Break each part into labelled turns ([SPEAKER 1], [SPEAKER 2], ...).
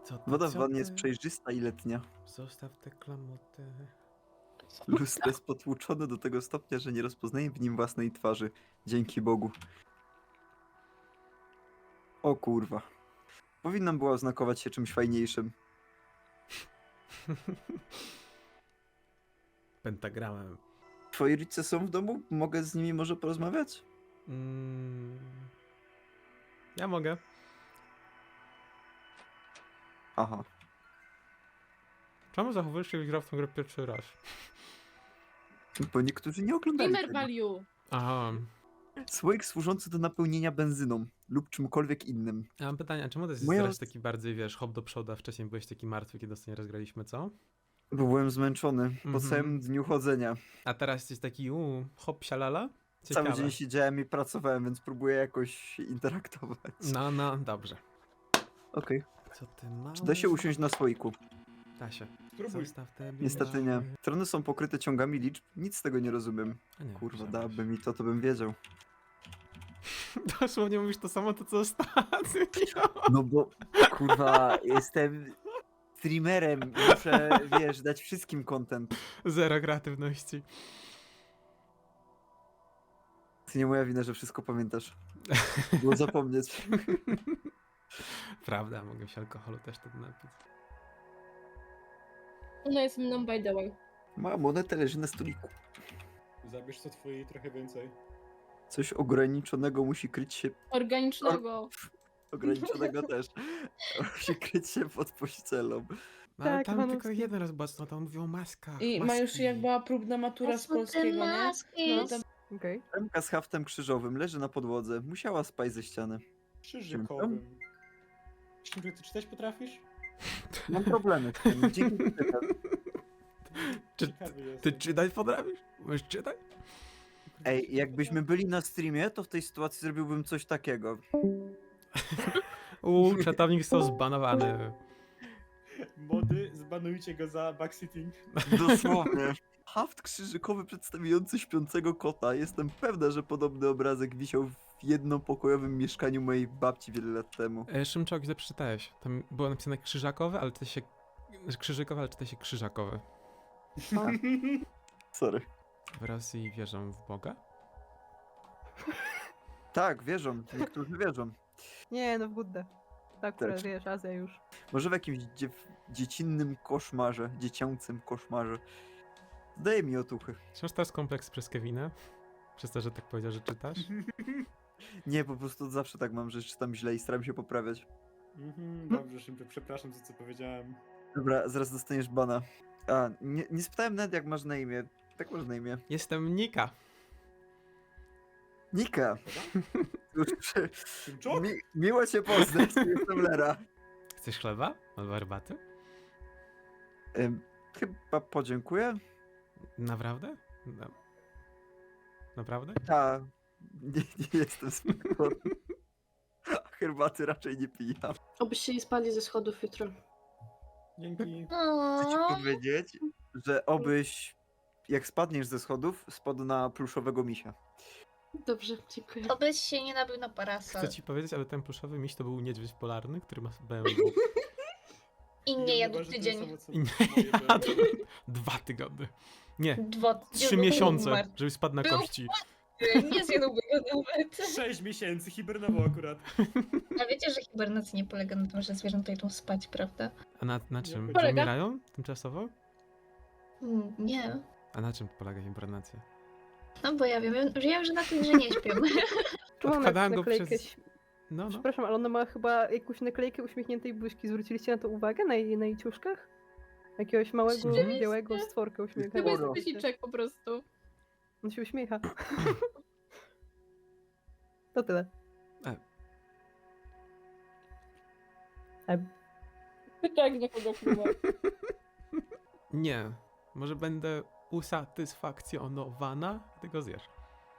[SPEAKER 1] Woda w wannie jest przejrzysta i letnia.
[SPEAKER 2] Zostaw te klamoty.
[SPEAKER 1] Lustro jest potłuczone do tego stopnia, że nie rozpoznaję w nim własnej twarzy. Dzięki Bogu. O kurwa. Powinnam była oznakować się czymś fajniejszym.
[SPEAKER 2] Pentagramem.
[SPEAKER 1] Twoi rodzice są w domu? Mogę z nimi może porozmawiać?
[SPEAKER 2] Ja mogę.
[SPEAKER 1] Aha.
[SPEAKER 2] Czemu zachowujesz się, jak grał w tę grę pierwszy raz?
[SPEAKER 1] Bo niektórzy nie oglądali
[SPEAKER 3] Gamer
[SPEAKER 1] tego.
[SPEAKER 3] value.
[SPEAKER 2] Aha.
[SPEAKER 1] Słoik służący do napełnienia benzyną lub czymkolwiek innym.
[SPEAKER 2] Ja mam pytanie, a czemu to jest
[SPEAKER 1] Moja
[SPEAKER 2] teraz taki bardziej, wiesz, hop do przodu, a wcześniej byłeś taki martwy, kiedy ostatnio rozgraliśmy, co?
[SPEAKER 1] Bo byłem zmęczony po
[SPEAKER 2] Mhm.
[SPEAKER 1] całym dniu chodzenia.
[SPEAKER 2] A teraz jesteś taki, hop, sialala?
[SPEAKER 1] Cały
[SPEAKER 2] Ciekawe.
[SPEAKER 1] dzień siedziałem i pracowałem, więc próbuję jakoś interaktować.
[SPEAKER 2] No, dobrze.
[SPEAKER 1] Okej.
[SPEAKER 2] Co ty masz?
[SPEAKER 1] Czy da się usiąść na słoiku?
[SPEAKER 2] Da się.
[SPEAKER 4] Spróbuj.
[SPEAKER 2] Zostaw te
[SPEAKER 1] Niestety nie. Strony są pokryte ciągami liczb. Nic z tego nie rozumiem.
[SPEAKER 2] A nie,
[SPEAKER 1] Kurwa,
[SPEAKER 2] myślałem,
[SPEAKER 1] dałaby mi to bym wiedział.
[SPEAKER 2] Dosłownie mówisz to samo, to co ostatnio.
[SPEAKER 1] No bo, kurwa, jestem streamerem. Muszę, wiesz, dać wszystkim content.
[SPEAKER 2] Zero kreatywności.
[SPEAKER 1] To nie moja wina, że wszystko pamiętasz. Było zapomnieć.
[SPEAKER 2] Prawda, mogę się alkoholu też wtedy napić.
[SPEAKER 3] Ona jest mną by the way.
[SPEAKER 1] Moja moneta leży na stoliku.
[SPEAKER 4] Zabierz co twojej trochę więcej.
[SPEAKER 1] Coś ograniczonego musi kryć się...
[SPEAKER 3] Organicznego.
[SPEAKER 1] Ograniczonego też. Musi kryć się pod pościelą.
[SPEAKER 2] No, ale
[SPEAKER 5] Tak,
[SPEAKER 2] tam
[SPEAKER 5] Iwanowski.
[SPEAKER 2] tylko jeden raz była, no tam mówił o maskach.
[SPEAKER 3] I ma już
[SPEAKER 2] maski.
[SPEAKER 3] jak była próbna matura z polskiego, nie? No, tam
[SPEAKER 5] Okej.
[SPEAKER 1] Remka z haftem krzyżowym leży na podłodze. Musiała spaść ze ściany.
[SPEAKER 4] Krzyżykowym. Ty czytać potrafisz?
[SPEAKER 1] Mam problemy z tym. Dzięki czytam.
[SPEAKER 2] Czy
[SPEAKER 4] Ciekawy
[SPEAKER 2] ty
[SPEAKER 4] jestem.
[SPEAKER 2] czytać potrafisz? Możesz czytać?
[SPEAKER 1] Ej, jakbyśmy byli na streamie, to w tej sytuacji zrobiłbym coś takiego.
[SPEAKER 2] Czatownik został zbanowany.
[SPEAKER 4] Mody, zbanujcie go za backsitting.
[SPEAKER 1] Dosłownie. Haft krzyżykowy przedstawiający śpiącego kota. Jestem pewna, że podobny obrazek wisiał w jednopokojowym mieszkaniu mojej babci wiele lat temu.
[SPEAKER 2] Szymczok, źle przeczytałeś. Tam było napisane krzyżakowe, ale czyta się... Krzyżykowe, ale czyta się krzyżakowe.
[SPEAKER 1] Sorry.
[SPEAKER 2] W Rosji wierzą w Boga?
[SPEAKER 1] Tak, wierzą. Niektórzy wierzą.
[SPEAKER 5] Nie, no w Buddę. Tak, akurat
[SPEAKER 1] Tak.
[SPEAKER 5] wiesz, Azja już.
[SPEAKER 1] Może w jakimś dziecinnym koszmarze, dziecięcym koszmarze. Zdaje mi otuchy.
[SPEAKER 2] Czy masz teraz kompleks przez Kevina? Przez to, że tak powiedział, że czytasz?
[SPEAKER 1] Nie, po prostu zawsze tak mam, że czytam źle i staram się poprawiać.
[SPEAKER 4] Dobrze, Szymczek, przepraszam za co powiedziałem.
[SPEAKER 1] Dobra, zaraz dostaniesz bana. A, nie spytałem nawet jak masz na imię. Tak masz na imię.
[SPEAKER 2] Jestem Nika.
[SPEAKER 1] Nika. Cóż,
[SPEAKER 4] Szymczok?
[SPEAKER 1] miło cię poznać, jestem Lera.
[SPEAKER 2] Chcesz chleba? Albo herbaty?
[SPEAKER 1] Chyba podziękuję.
[SPEAKER 2] Naprawdę? No. Naprawdę?
[SPEAKER 1] Ta, nie jestem spokojny. Herbaty raczej nie pijam.
[SPEAKER 6] Obyście nie spadli ze schodów jutro.
[SPEAKER 4] Dzięki.
[SPEAKER 1] Chcę ci powiedzieć, że obyś, jak spadniesz ze schodów, spadł na pluszowego misia.
[SPEAKER 6] Dobrze, dziękuję.
[SPEAKER 7] Obyś się nie nabył na parasol.
[SPEAKER 2] Chcę ci powiedzieć, ale ten pluszowy miś to był niedźwiedź polarny, który ma BMW.
[SPEAKER 7] I nie jadł tydzień.
[SPEAKER 2] I nie jadł 2 tygodnie. Nie, 3
[SPEAKER 7] Był
[SPEAKER 2] miesiące,
[SPEAKER 7] martwy.
[SPEAKER 2] żeby spadł na
[SPEAKER 7] Był
[SPEAKER 2] kości.
[SPEAKER 7] Nie zjadłby go nawet.
[SPEAKER 4] 6 miesięcy hibernował akurat.
[SPEAKER 7] A wiecie, że hibernacja nie polega na tym, że zwierzęta idą spać, prawda?
[SPEAKER 2] A na czym? Że
[SPEAKER 3] Polega.
[SPEAKER 2] umierają tymczasowo?
[SPEAKER 7] Nie.
[SPEAKER 2] A na czym polega hibernacja?
[SPEAKER 7] No bo ja wiem, że na tym, że nie śpią.
[SPEAKER 5] Tu mam
[SPEAKER 2] Odkładałem go
[SPEAKER 5] naklejkę.
[SPEAKER 2] przez... No.
[SPEAKER 5] Przepraszam, ale ona ma chyba jakąś naklejkę uśmiechniętej buźki. Zwróciliście na to uwagę? Na jej ciuszkach? Jakiegoś małego,
[SPEAKER 7] Rzeczywiście.
[SPEAKER 5] białego stworka
[SPEAKER 3] to
[SPEAKER 5] uśmiechniętego.
[SPEAKER 3] jest
[SPEAKER 1] Sporo.
[SPEAKER 3] guziczek po prostu.
[SPEAKER 5] On się uśmiecha. To tyle.
[SPEAKER 3] Tak, na kogo wpływa.
[SPEAKER 2] Nie. Może będę usatysfakcjonowana, gdy go zjesz.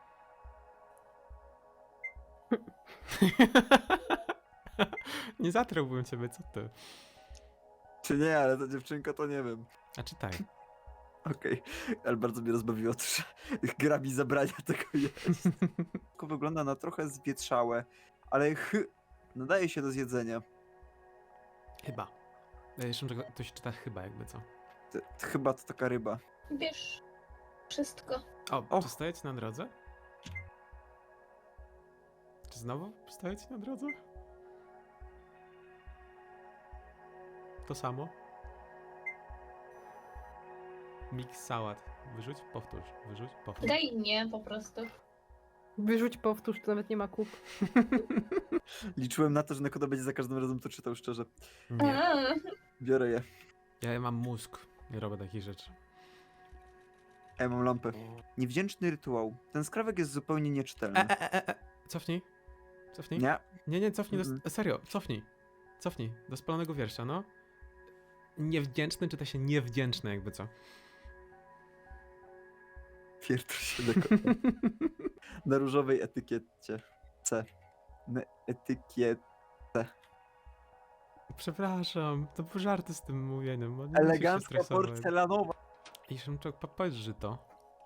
[SPEAKER 2] Nie zatrułbym ciebie, co ty?
[SPEAKER 1] Czy nie, ale ta dziewczynka to nie wiem.
[SPEAKER 2] A czytaj.
[SPEAKER 1] Okej, ale bardzo mnie rozbawiło to, że gra mi zabrania tego jeść. Tylko wygląda na trochę zwietrzałe, ale nadaje się do zjedzenia.
[SPEAKER 2] Chyba. Szymczak, to się czyta chyba jakby co.
[SPEAKER 1] Chyba to taka ryba.
[SPEAKER 7] Bierz wszystko.
[SPEAKER 2] O, czy stoję ci na drodze? Czy znowu stoję ci na drodze? To samo? Mix sałat. Wyrzuć, powtórz. Wyrzuć, powtórz.
[SPEAKER 7] Daj nie po prostu.
[SPEAKER 5] Wyrzuć, powtórz, to nawet nie ma kup.
[SPEAKER 1] Liczyłem na to, że Nekoda będzie za każdym razem to czytał szczerze.
[SPEAKER 2] Nie.
[SPEAKER 7] A,
[SPEAKER 1] Biorę je.
[SPEAKER 2] Ja mam mózg. Nie robię takich rzeczy.
[SPEAKER 1] Ja mam lampę. Niewdzięczny rytuał. Ten skrawek jest zupełnie nieczytelny.
[SPEAKER 2] Cofnij. Cofnij.
[SPEAKER 1] Nie.
[SPEAKER 2] Nie, cofnij.
[SPEAKER 1] Mhm.
[SPEAKER 2] Serio, cofnij. Cofnij. Do spalonego wiersza, no. Niewdzięczny czyta się niewdzięczny jakby co.
[SPEAKER 1] Pierdol się Nekoda. Na różowej etykiecie. C. Etykiet.
[SPEAKER 2] Przepraszam, to był żarty z tym mówieniem. Bo nie musisz się
[SPEAKER 1] Elegancka
[SPEAKER 2] stresować.
[SPEAKER 1] porcelanowa.
[SPEAKER 2] I Szymczak, powiedz, że to.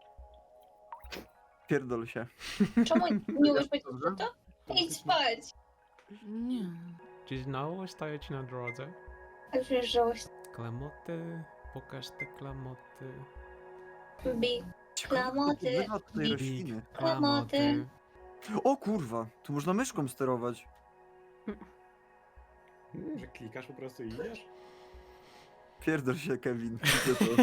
[SPEAKER 1] Pierdol się.
[SPEAKER 7] czemu nie umiesz powiedzieć
[SPEAKER 1] Dobrze?
[SPEAKER 7] to? Idź spać.
[SPEAKER 3] Nie.
[SPEAKER 2] Czy znowu stoję ci na drodze?
[SPEAKER 7] A wiesz, żałość.
[SPEAKER 2] Klamoty, pokaż te klamoty.
[SPEAKER 7] Bi. Klamoty.
[SPEAKER 1] Bywa tutaj
[SPEAKER 7] Big.
[SPEAKER 1] rośliny.
[SPEAKER 7] Klamoty.
[SPEAKER 1] O kurwa, tu można myszką sterować.
[SPEAKER 4] Że klikasz po prostu i idziesz?
[SPEAKER 1] Pierdol się, Kevin. Widzę to.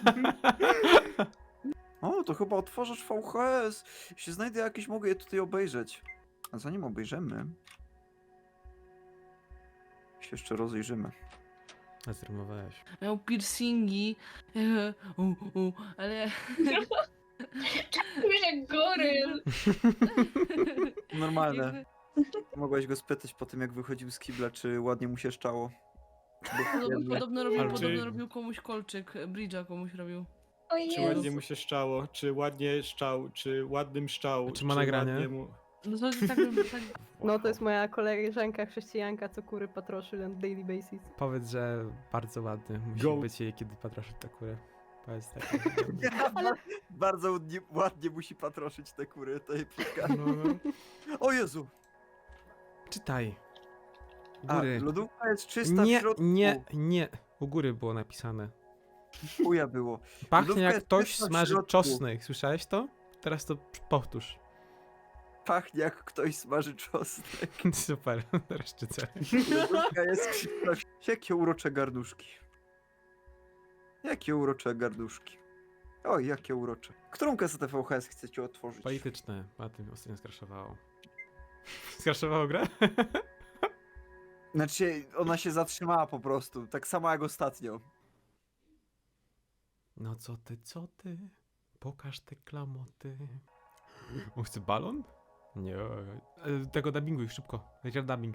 [SPEAKER 1] O, to chyba otworzysz VHS. Jeśli znajdę jakieś, mogę je tutaj obejrzeć. A zanim obejrzymy, się jeszcze rozejrzymy.
[SPEAKER 2] Zrymowałeś.
[SPEAKER 3] Miał piercingi. Ale...
[SPEAKER 7] Wiesz jak goryl.
[SPEAKER 1] Normalne.
[SPEAKER 3] jakby-
[SPEAKER 1] Mogłaś go spytać po tym, jak wychodził z kibla, czy ładnie mu się szczało.
[SPEAKER 3] Podobno
[SPEAKER 2] Ale czy-
[SPEAKER 3] robił komuś kolczyk. Bridge'a komuś robił.
[SPEAKER 7] O
[SPEAKER 4] Czy
[SPEAKER 7] Jezu.
[SPEAKER 4] ładnie mu się szczało, czy ładnie szczał, czy ładnym szczał,
[SPEAKER 2] Czy ma nagranie?
[SPEAKER 4] ładnie mu...
[SPEAKER 3] No to tak, tak
[SPEAKER 5] No to jest moja koleżanka chrześcijanka, co kury patroszy na daily basis.
[SPEAKER 2] Powiedz, że bardzo ładny musi
[SPEAKER 4] Go.
[SPEAKER 2] być jej, kiedy patroszy tę kurę. Powiedz tak.
[SPEAKER 1] Bardzo ładnie musi patroszyć te kury, to jej pika.
[SPEAKER 2] No.
[SPEAKER 1] O Jezu!
[SPEAKER 2] Czytaj. U
[SPEAKER 1] A,
[SPEAKER 2] góry.
[SPEAKER 1] lodówka jest czysta w
[SPEAKER 2] Nie,
[SPEAKER 1] środku.
[SPEAKER 2] nie. U góry było napisane.
[SPEAKER 1] Chuja było.
[SPEAKER 2] Pachnie
[SPEAKER 1] Lodówka
[SPEAKER 2] jak
[SPEAKER 1] jest
[SPEAKER 2] ktoś
[SPEAKER 1] czysta w
[SPEAKER 2] smaży
[SPEAKER 1] środku.
[SPEAKER 2] czosnek. Słyszałeś to? Teraz to powtórz.
[SPEAKER 1] Pachnie jak ktoś smaży czosnek.
[SPEAKER 2] Super, teraz czycę.
[SPEAKER 1] Lodówka jest czysta. Jakie urocze garnuszki. Jakie urocze garnuszki. Oj, jakie urocze. Którą kasetę VHS chcecie otworzyć?
[SPEAKER 2] Polityczne. A tym ostatnio skraszowało. Skraszowało grę?
[SPEAKER 1] Znaczy, ona się zatrzymała po prostu. Tak samo jak ostatnio.
[SPEAKER 2] No co ty? Pokaż te klamoty. On chce balon? Nie. Tego dubbinguj szybko. Leciał dubbing.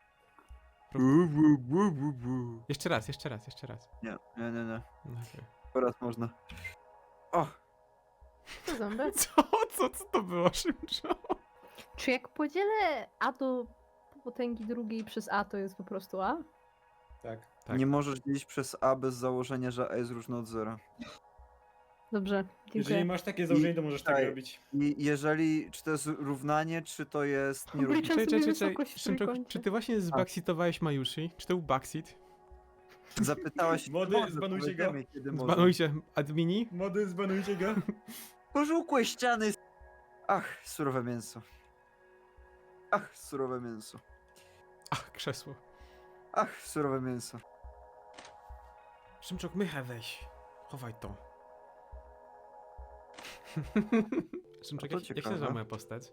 [SPEAKER 2] Jeszcze raz.
[SPEAKER 1] Nie.
[SPEAKER 2] No, okej.
[SPEAKER 1] Teraz można. O!
[SPEAKER 5] Co ząbek?
[SPEAKER 2] Co to było, Szymczo?
[SPEAKER 5] Czy jak podzielę A do potęgi drugiej przez A, to jest po prostu A?
[SPEAKER 4] Tak.
[SPEAKER 2] Tak.
[SPEAKER 1] Nie możesz dzielić przez A bez założenia, że A jest różne od zera.
[SPEAKER 5] Dobrze,
[SPEAKER 4] Jeżeli
[SPEAKER 5] dziękuję.
[SPEAKER 4] masz takie założenie, to możesz tak
[SPEAKER 1] Tutaj.
[SPEAKER 4] robić.
[SPEAKER 1] I jeżeli, czy to jest równanie, czy to jest nierówne.
[SPEAKER 5] Obliczam sobie wysokość w
[SPEAKER 2] Szymczok,
[SPEAKER 5] trójkącie.
[SPEAKER 2] czy ty właśnie zbacksitowałeś Majushi? Czy to był backseat?
[SPEAKER 1] Zapytałaś...
[SPEAKER 4] Młody,
[SPEAKER 1] może,
[SPEAKER 4] zbanujcie go.
[SPEAKER 1] powiemy, kiedy może.
[SPEAKER 2] Zbanujcie admini?
[SPEAKER 4] Mody, zbanujcie go.
[SPEAKER 1] Pożółkłe ściany. Ach, surowe mięso. Ach, surowe mięso.
[SPEAKER 2] Ach, krzesło.
[SPEAKER 1] Ach, surowe mięso.
[SPEAKER 2] Szymczok, mychę weź. Chowaj to. Szymczok,
[SPEAKER 1] A to
[SPEAKER 2] jak się
[SPEAKER 1] ciekawe.
[SPEAKER 2] nazywa moja postać?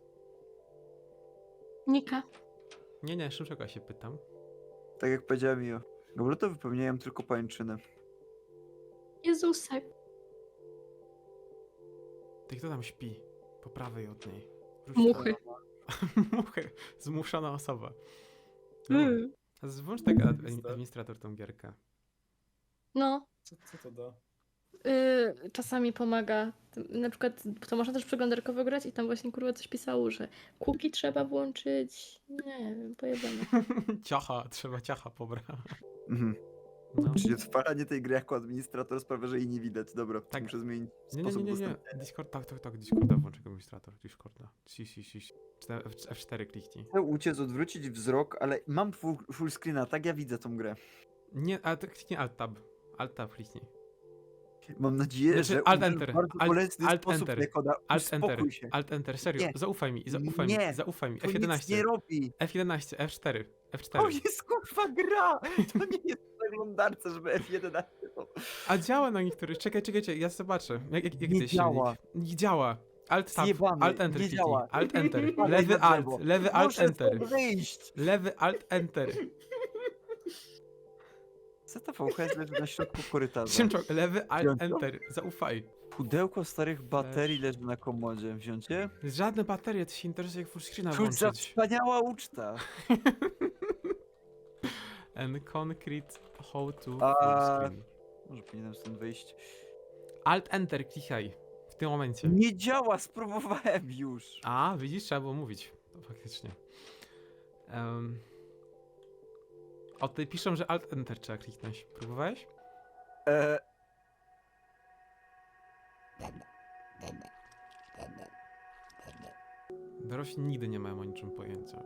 [SPEAKER 6] Nika.
[SPEAKER 2] Nie, Szymczoka się pytam.
[SPEAKER 1] Tak jak powiedziałem Mio. Goblety wypełniają tylko pańczynę.
[SPEAKER 6] Jezusek.
[SPEAKER 2] Ty kto tam śpi? Po prawej od niej. Wróć
[SPEAKER 6] Muchy.
[SPEAKER 2] Muchy. Zmuszona osoba.
[SPEAKER 6] Mm.
[SPEAKER 2] Włącz tak administrator tą gierkę.
[SPEAKER 6] No.
[SPEAKER 4] Co to da?
[SPEAKER 6] Czasami pomaga. Na przykład to można też przeglądarkowo grać i tam właśnie kurwa coś pisało, że cookie trzeba włączyć. Nie wiem, pojebane.
[SPEAKER 2] Trzeba ciacha pobrać.
[SPEAKER 1] Mhm.
[SPEAKER 2] No.
[SPEAKER 1] Czyli odpalanie tej gry jako administrator sprawia, że jej nie widać. Dobra,
[SPEAKER 2] Tak.
[SPEAKER 1] muszę zmienić
[SPEAKER 2] Nie.
[SPEAKER 1] sposób dostępu.
[SPEAKER 2] Discord, tak, Discorda włącz jako administrator. Discorda. F4 kliknij.
[SPEAKER 1] Chcę uciec, odwrócić wzrok, ale mam full screena, tak ja widzę tą grę.
[SPEAKER 2] Nie, ale to kliknij Alt-Tab. Alt-Tab kliknij.
[SPEAKER 1] Mam nadzieję,
[SPEAKER 2] Znaczy,
[SPEAKER 1] że
[SPEAKER 2] Alt
[SPEAKER 1] użyłem
[SPEAKER 2] Enter,
[SPEAKER 1] w bardzo
[SPEAKER 2] Alt-
[SPEAKER 1] bolesny
[SPEAKER 2] Alt
[SPEAKER 1] sposób
[SPEAKER 2] Enter,
[SPEAKER 1] Nekoda.
[SPEAKER 2] Alt Enter,
[SPEAKER 1] Uspokój się.
[SPEAKER 2] Alt Enter, serio,
[SPEAKER 1] Nie.
[SPEAKER 2] zaufaj mi,
[SPEAKER 1] Nie.
[SPEAKER 2] zaufaj mi.
[SPEAKER 1] To nic
[SPEAKER 2] F11,
[SPEAKER 1] nie robi.
[SPEAKER 2] F11, F4,
[SPEAKER 1] To
[SPEAKER 2] F4.
[SPEAKER 1] jest kurwa gra! To nie jest w przeglądarce, żeby F11 to...
[SPEAKER 2] A działa na niektórych, czekajcie, ja zobaczę. Jak
[SPEAKER 1] Nie
[SPEAKER 2] to jest
[SPEAKER 1] działa.
[SPEAKER 2] silnik? Nie działa. Alt Tab,
[SPEAKER 1] Zjebany,
[SPEAKER 2] Alt Enter
[SPEAKER 1] nie
[SPEAKER 2] kliknij,
[SPEAKER 1] działa.
[SPEAKER 2] Alt Enter,
[SPEAKER 1] Spadaj
[SPEAKER 2] lewy
[SPEAKER 1] na
[SPEAKER 2] Alt,
[SPEAKER 1] drzewo.
[SPEAKER 2] lewy Alt
[SPEAKER 1] Muszę
[SPEAKER 2] Enter,
[SPEAKER 1] stąd wyjść!
[SPEAKER 2] lewy Alt Enter.
[SPEAKER 1] ZVHS leży na środku korytarza.
[SPEAKER 2] Szymczok, lewy Alt
[SPEAKER 1] Wziąć to?
[SPEAKER 2] Enter, zaufaj.
[SPEAKER 1] Pudełko starych baterii leży na komodzie. Wziąć je?
[SPEAKER 2] Żadne baterie, ty się interesuje jak full screena
[SPEAKER 1] Czuć za
[SPEAKER 2] włączyć.
[SPEAKER 1] wspaniała uczta.
[SPEAKER 2] And concrete how to
[SPEAKER 1] A-
[SPEAKER 2] full screen.
[SPEAKER 1] Może powinienem stąd wyjść.
[SPEAKER 2] Alt Enter klikaj. W tym momencie.
[SPEAKER 1] Nie działa, spróbowałem już.
[SPEAKER 2] A, widzisz, trzeba było mówić. To faktycznie. O, tutaj piszą, że Alt Enter trzeba kliknąć. Próbowałeś?
[SPEAKER 1] E,
[SPEAKER 2] Dorośli nigdy nie mają o niczym pojęcia.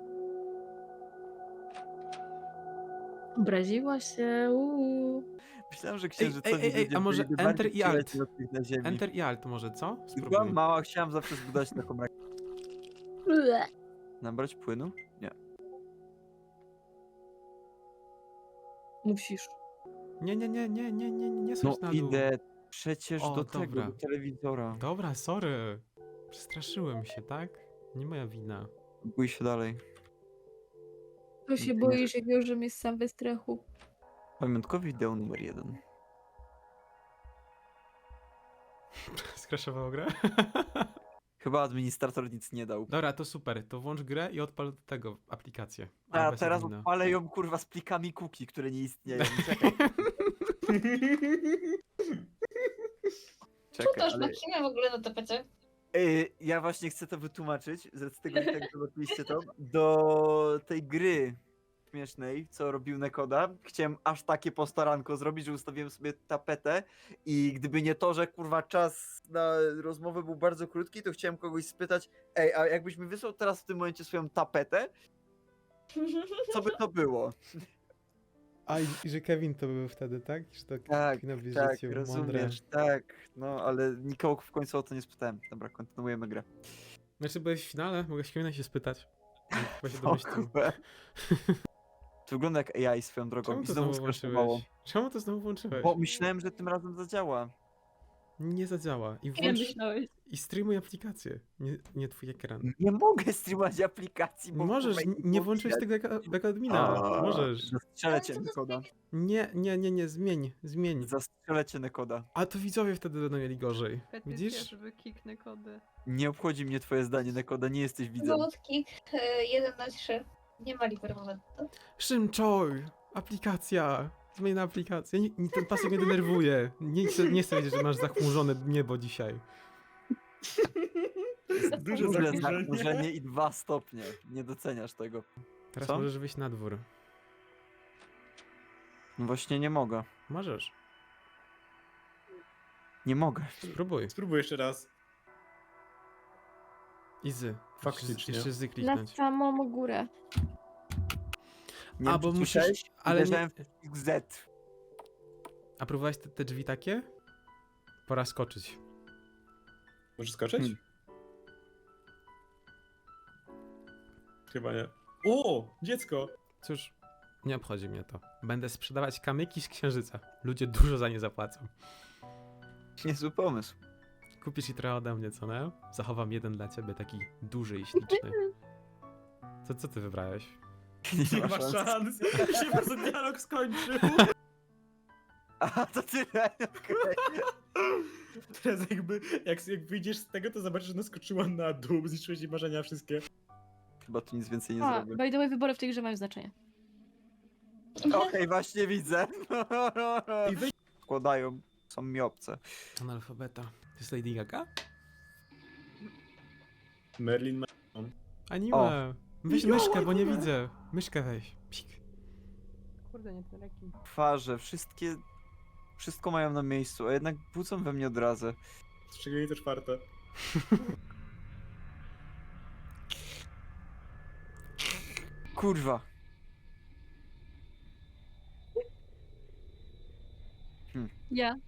[SPEAKER 6] Obraziła się,
[SPEAKER 1] myślałem, że księżycowi
[SPEAKER 2] ej,
[SPEAKER 1] ludzie
[SPEAKER 2] a może
[SPEAKER 1] byliby
[SPEAKER 2] Enter
[SPEAKER 1] bardziej
[SPEAKER 2] i Alt?
[SPEAKER 1] przyjaciół od tych na ziemi.
[SPEAKER 2] Enter i Alt może, co?
[SPEAKER 1] Byłam
[SPEAKER 2] Spróbuj.
[SPEAKER 1] mała, chciałam zawsze zbudować taką rakietę.
[SPEAKER 6] Ble.
[SPEAKER 1] Nabrać płynu? Nie.
[SPEAKER 3] Musisz.
[SPEAKER 2] Nie
[SPEAKER 1] No
[SPEAKER 2] schodź na dół.
[SPEAKER 1] idę przecież
[SPEAKER 2] O,
[SPEAKER 1] do tego,
[SPEAKER 2] dobra.
[SPEAKER 1] do telewizora.
[SPEAKER 2] Dobra, sorry. Przestraszyłem się, tak? Nie moja wina.
[SPEAKER 1] Bój się dalej.
[SPEAKER 6] To się boisz, jak już jest sam we strachu.
[SPEAKER 1] Pamiątkowy wideo numer 1.
[SPEAKER 2] Skraszowało grę?
[SPEAKER 1] Chyba administrator nic nie dał.
[SPEAKER 2] Dobra, to super. To włącz grę i odpal do tego aplikację.
[SPEAKER 1] A
[SPEAKER 2] bez
[SPEAKER 1] teraz
[SPEAKER 2] admina.
[SPEAKER 1] odpalę ją kurwa z plikami cookie, które nie istnieją. Czekaj.
[SPEAKER 7] Co
[SPEAKER 1] Czekaj,
[SPEAKER 7] to
[SPEAKER 1] ale...
[SPEAKER 7] kim w ogóle na tapecie?
[SPEAKER 1] Ja właśnie chcę to wytłumaczyć, z tego, że tak zobaczyliście to, do tej gry śmiesznej, co robił Nekoda. Chciałem aż takie postaranko zrobić, że ustawiłem sobie tapetę i gdyby nie to, że kurwa czas na rozmowę był bardzo krótki, to chciałem kogoś spytać, ej, a jakbyś mi wysłał teraz w tym momencie swoją tapetę, co by to było?
[SPEAKER 2] A i że Kevin to był wtedy, tak? Że to
[SPEAKER 1] Tak,
[SPEAKER 2] Kevinowi
[SPEAKER 1] tak,
[SPEAKER 2] życiu,
[SPEAKER 1] rozumiesz, tak, no ale nikogo w końcu o to nie spytałem. Dobra, kontynuujemy grę.
[SPEAKER 2] Znaczy byłeś w finale, mogę Kevina się spytać. Chyba się
[SPEAKER 1] O
[SPEAKER 2] domyślił.
[SPEAKER 1] kurwa. To wygląda jak AI swoją drogą
[SPEAKER 2] Czemu
[SPEAKER 1] i
[SPEAKER 2] to
[SPEAKER 1] znowu
[SPEAKER 2] znowu
[SPEAKER 1] skraszowało.
[SPEAKER 2] włączyłeś? Czemu to znowu włączyłeś?
[SPEAKER 1] Bo myślałem, że tym razem zadziała.
[SPEAKER 2] Nie zadziała. I
[SPEAKER 6] Kiedy
[SPEAKER 2] włącz...
[SPEAKER 6] myślałeś?
[SPEAKER 2] I streamuj aplikację. Nie twój ekran.
[SPEAKER 1] Nie mogę streamować aplikacji, bo
[SPEAKER 2] Możesz,
[SPEAKER 1] kurwa,
[SPEAKER 2] nie włączyłeś tego jako admina. Możesz.
[SPEAKER 1] Zastrzelę cię,
[SPEAKER 7] Ale co to
[SPEAKER 1] Nekoda.
[SPEAKER 2] Nie, zmień.
[SPEAKER 1] Zastrzelę cię, Nekoda.
[SPEAKER 2] A to widzowie wtedy będą mieli gorzej. Widzisz?
[SPEAKER 5] żeby kiknę kody.
[SPEAKER 1] Nie obchodzi mnie twoje zdanie, Nekoda, nie jesteś widzem.
[SPEAKER 7] Zawodki 1 na 3. Nie ma libermomentu.
[SPEAKER 2] Szymczoj! Aplikacja! Zmień na aplikację. Ten pasek mnie denerwuje. Nie chcę wiedzieć, że masz zachmurzone niebo dzisiaj.
[SPEAKER 4] Duże
[SPEAKER 1] Duże
[SPEAKER 4] zachmurzenie.
[SPEAKER 1] zachmurzenie i 2 stopnie. Nie doceniasz tego.
[SPEAKER 2] Teraz
[SPEAKER 1] Co?
[SPEAKER 2] możesz wyjść na dwór.
[SPEAKER 1] No właśnie nie mogę.
[SPEAKER 2] Możesz.
[SPEAKER 1] Nie mogę.
[SPEAKER 2] Spróbuj.
[SPEAKER 4] Spróbuj jeszcze raz.
[SPEAKER 2] Izy.
[SPEAKER 4] Faktycznie.
[SPEAKER 2] Jeszcze zy
[SPEAKER 6] Na
[SPEAKER 2] kliknąć.
[SPEAKER 6] samą górę.
[SPEAKER 1] Nie
[SPEAKER 2] A,
[SPEAKER 1] wiem,
[SPEAKER 2] bo
[SPEAKER 1] czy
[SPEAKER 2] musisz-
[SPEAKER 1] słyszałeś?
[SPEAKER 2] ale nie-
[SPEAKER 1] Uderzałem w Z.
[SPEAKER 2] A próbowałeś te drzwi takie? Pora skoczyć.
[SPEAKER 4] Możesz skoczyć?
[SPEAKER 1] Hmm.
[SPEAKER 4] Chyba nie. O! Dziecko!
[SPEAKER 2] Cóż, nie obchodzi mnie to. Będę sprzedawać kamyki z księżyca. Ludzie dużo za nie zapłacą.
[SPEAKER 1] Niezły pomysł.
[SPEAKER 2] Kupisz i trochę ode mnie, co nie? Zachowam jeden dla ciebie, taki duży i śliczny. Co ty wybrałeś?
[SPEAKER 4] Nie ma szans! Się po prostu dialog skończył!
[SPEAKER 1] A, to tyle. Okej.
[SPEAKER 4] Teraz jakby, jak wyjdziesz z tego, to zobaczysz, że naskoczyła na dół, zniszczyłeś jej marzenia wszystkie.
[SPEAKER 1] Chyba tu nic więcej nie
[SPEAKER 6] A,
[SPEAKER 1] zrobię.
[SPEAKER 6] by the way, wybory w tej grze mają znaczenie.
[SPEAKER 1] Okej, właśnie widzę.
[SPEAKER 4] I wyjdź.
[SPEAKER 1] Składają. Są mi obce.
[SPEAKER 2] Analfabeta. To jest Lady Gaga?
[SPEAKER 4] Merlin ma...
[SPEAKER 2] Anime! Weź
[SPEAKER 1] Jo,
[SPEAKER 2] myszkę, bo nie
[SPEAKER 1] anime.
[SPEAKER 2] widzę. Myszkę weź. Pik.
[SPEAKER 5] Kurde, nie ten rekin.
[SPEAKER 1] Twarze, wszystko mają na miejscu, a jednak budzą we mnie odrazę.
[SPEAKER 4] Szczególnie to 4.
[SPEAKER 1] Kurwa.
[SPEAKER 6] Ja.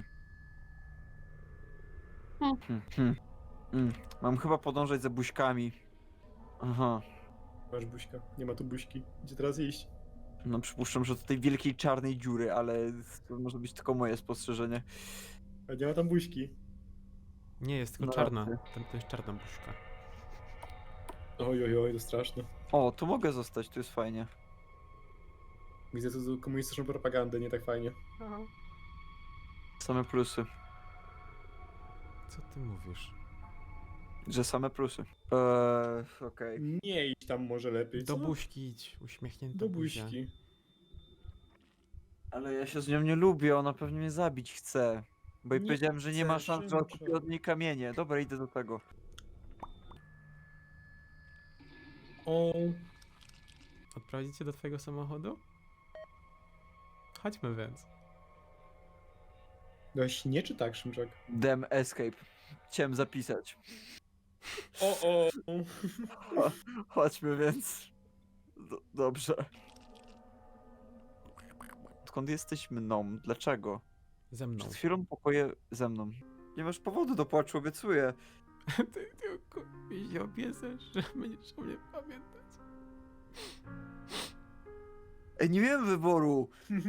[SPEAKER 1] Mam chyba podążać za buźkami. Aha.
[SPEAKER 4] Masz buźka. Nie ma tu buźki. Gdzie teraz iść?
[SPEAKER 1] No przypuszczam, że do tej wielkiej czarnej dziury, ale to może być tylko moje spostrzeżenie.
[SPEAKER 4] A nie ma tam buźki.
[SPEAKER 2] Nie, jest tylko
[SPEAKER 1] No
[SPEAKER 2] czarna.
[SPEAKER 1] racja.
[SPEAKER 2] To jest czarna buźka.
[SPEAKER 4] Oj, oj, oj, to straszne.
[SPEAKER 1] O, tu mogę zostać, tu jest fajnie.
[SPEAKER 4] Widzę tu komunistyczną propagandę, nie tak fajnie.
[SPEAKER 5] Aha.
[SPEAKER 1] Same plusy.
[SPEAKER 2] Co ty mówisz?
[SPEAKER 1] Że same plusy. Okej.
[SPEAKER 4] Nie idź tam może lepiej,
[SPEAKER 2] Do
[SPEAKER 4] co?
[SPEAKER 2] buźki idź, uśmiechnięta
[SPEAKER 4] Do
[SPEAKER 2] buzia.
[SPEAKER 4] buźki.
[SPEAKER 1] Ale ja się z nią nie lubię, ona pewnie mnie zabić chce. Bo jej
[SPEAKER 4] Nie
[SPEAKER 1] powiedziałem, że nie ma
[SPEAKER 4] chcę,
[SPEAKER 1] szans, że
[SPEAKER 4] Szymczak.
[SPEAKER 1] odkupię od niej kamienie. Dobra, idę do tego.
[SPEAKER 4] O,
[SPEAKER 2] Odprowadzić cię do twojego samochodu? Chodźmy więc.
[SPEAKER 4] dałeś nie czy tak, Szymczak?
[SPEAKER 1] Dem escape. Chciałem zapisać.
[SPEAKER 4] O.
[SPEAKER 1] Chodźmy więc. Dobrze. Skąd jesteś mną? Dlaczego?
[SPEAKER 2] Ze mną.
[SPEAKER 1] Przed chwilą pokoje ze mną. Nie masz powodu do płaczu, obiecuję.
[SPEAKER 2] Ty tylko mi się obiecasz, że będziesz o mnie pamiętać.
[SPEAKER 1] Ej, nie miałem wyboru.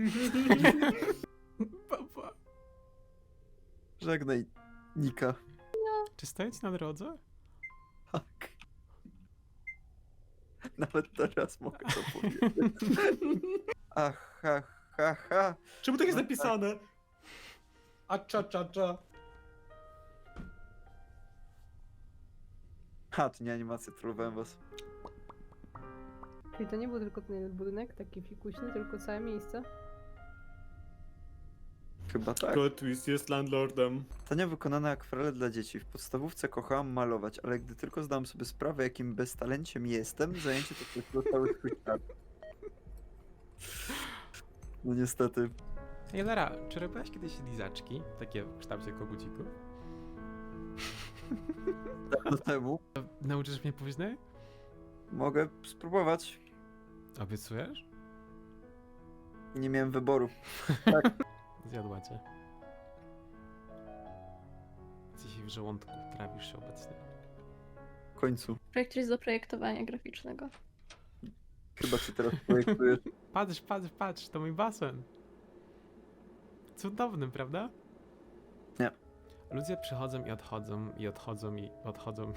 [SPEAKER 2] Papa.
[SPEAKER 1] Żegnaj, Nika.
[SPEAKER 2] Czy stoję ci na drodze?
[SPEAKER 1] Tak. Nawet teraz mogę to powiedzieć. Ach, ha, ha, ha.
[SPEAKER 4] Czemu tak jest
[SPEAKER 1] No
[SPEAKER 4] napisane? A cza.
[SPEAKER 1] Ha, to nie animacja, trollowałem was.
[SPEAKER 5] Czyli to nie był tylko ten budynek, taki fikuśny, tylko całe miejsce.
[SPEAKER 1] Chyba tak.
[SPEAKER 4] Plot twist jest landlordem.
[SPEAKER 1] Tania wykonane akwarele dla dzieci. W podstawówce kochałam malować, ale gdy tylko zdałam sobie sprawę, jakim beztalenciem jestem, zajęcie to przeszło cały swój czas. No niestety.
[SPEAKER 2] Ej, Lara, czy robiłaś kiedyś lizaczki? Takie w kształcie kogucików?
[SPEAKER 1] Dawno temu
[SPEAKER 2] Nauczysz mnie później?
[SPEAKER 1] mogę spróbować.
[SPEAKER 2] Obiecujesz?
[SPEAKER 1] Nie miałem wyboru.
[SPEAKER 2] Zjadła cię. Dzisiaj w żołądku trawisz się obecnie.
[SPEAKER 1] W końcu.
[SPEAKER 6] Projekt jest do projektowania graficznego.
[SPEAKER 1] Chyba się teraz projektujesz.
[SPEAKER 2] Patrz, to mój basen. Cudowny, prawda?
[SPEAKER 1] Nie.
[SPEAKER 2] Ludzie przychodzą i odchodzą, i odchodzą, i odchodzą.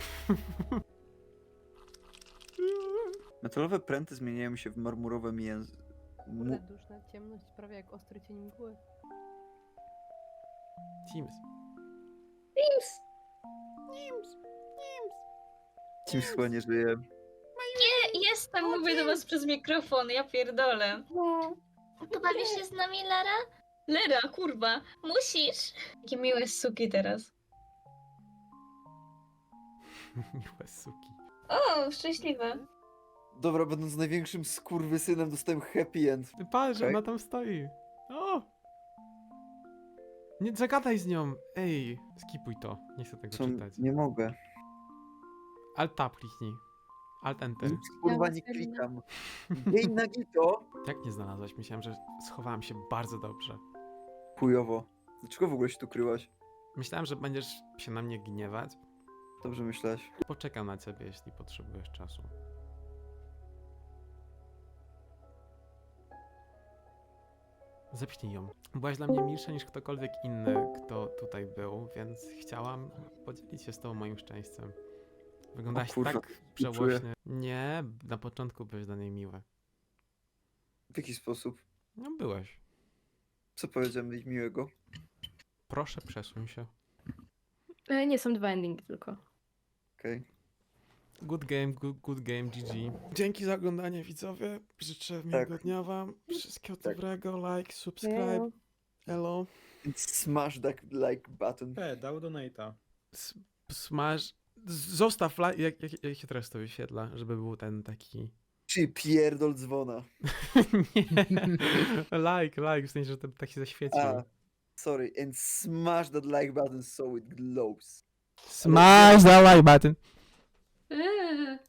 [SPEAKER 1] Metalowe pręty zmieniają się w marmurowe
[SPEAKER 5] Kurde, duszna ciemność, prawie jak ostry cień mgły.
[SPEAKER 2] Teams.
[SPEAKER 1] Teams chyba nie żyje.
[SPEAKER 7] Jestem, mówię do was przez mikrofon, ja pierdolę. Pobawisz się z nami, Lara? Lera, kurwa, musisz. Jakie miłe suki teraz.
[SPEAKER 2] Miłe suki.
[SPEAKER 7] O, szczęśliwe.
[SPEAKER 1] Dobra, będąc największym skurwysynem, dostałem happy end.
[SPEAKER 2] Patrz,
[SPEAKER 1] Okej.
[SPEAKER 2] ona tam stoi. O! Nie zagadaj z nią. Ej, skipuj to. Nie chcę tego
[SPEAKER 1] Co?
[SPEAKER 2] czytać.
[SPEAKER 1] Nie mogę.
[SPEAKER 2] Alt tab kliknij. Alt enter.
[SPEAKER 1] Nic kurwa nie klikam. Jej nagito.
[SPEAKER 2] Jak nie znalazłaś? Myślałem, że schowałem się bardzo dobrze.
[SPEAKER 1] Chujowo. Dlaczego w ogóle się tu kryłaś?
[SPEAKER 2] Myślałem, że będziesz się na mnie gniewać.
[SPEAKER 1] Dobrze myślałeś.
[SPEAKER 2] Poczekam na ciebie, jeśli potrzebujesz czasu. Zepchnij ją. Byłaś dla mnie milsza niż ktokolwiek inny, kto tutaj był, więc chciałam podzielić się z tobą moim szczęściem. Wyglądałaś
[SPEAKER 1] kurwa,
[SPEAKER 2] tak
[SPEAKER 1] czuję.
[SPEAKER 2] żałośnie. Nie, na początku byłeś dla niej miły.
[SPEAKER 1] W jaki sposób?
[SPEAKER 2] No byłeś.
[SPEAKER 1] Co powiedziałem jej miłego?
[SPEAKER 2] Proszę, przesuń się.
[SPEAKER 6] Nie, są 2 endingi tylko.
[SPEAKER 1] Okej.
[SPEAKER 2] Good game, good game, GG. Dzięki za oglądanie, widzowie. Życzę miłego dnia wam. Wszystkiego
[SPEAKER 1] Tak.
[SPEAKER 2] dobrego, like, subscribe. Hello.
[SPEAKER 1] Smash that like button.
[SPEAKER 4] Dał donate'a.
[SPEAKER 2] Smash. Zostaw like. Jak się teraz to wyświetla, żeby był ten taki.
[SPEAKER 1] Czy pierdol dzwona.
[SPEAKER 2] Nie. Like, w sensie, że ten tak się zaświecił.
[SPEAKER 1] A, sorry. And smash that like button so it glows.
[SPEAKER 2] Smash the like button.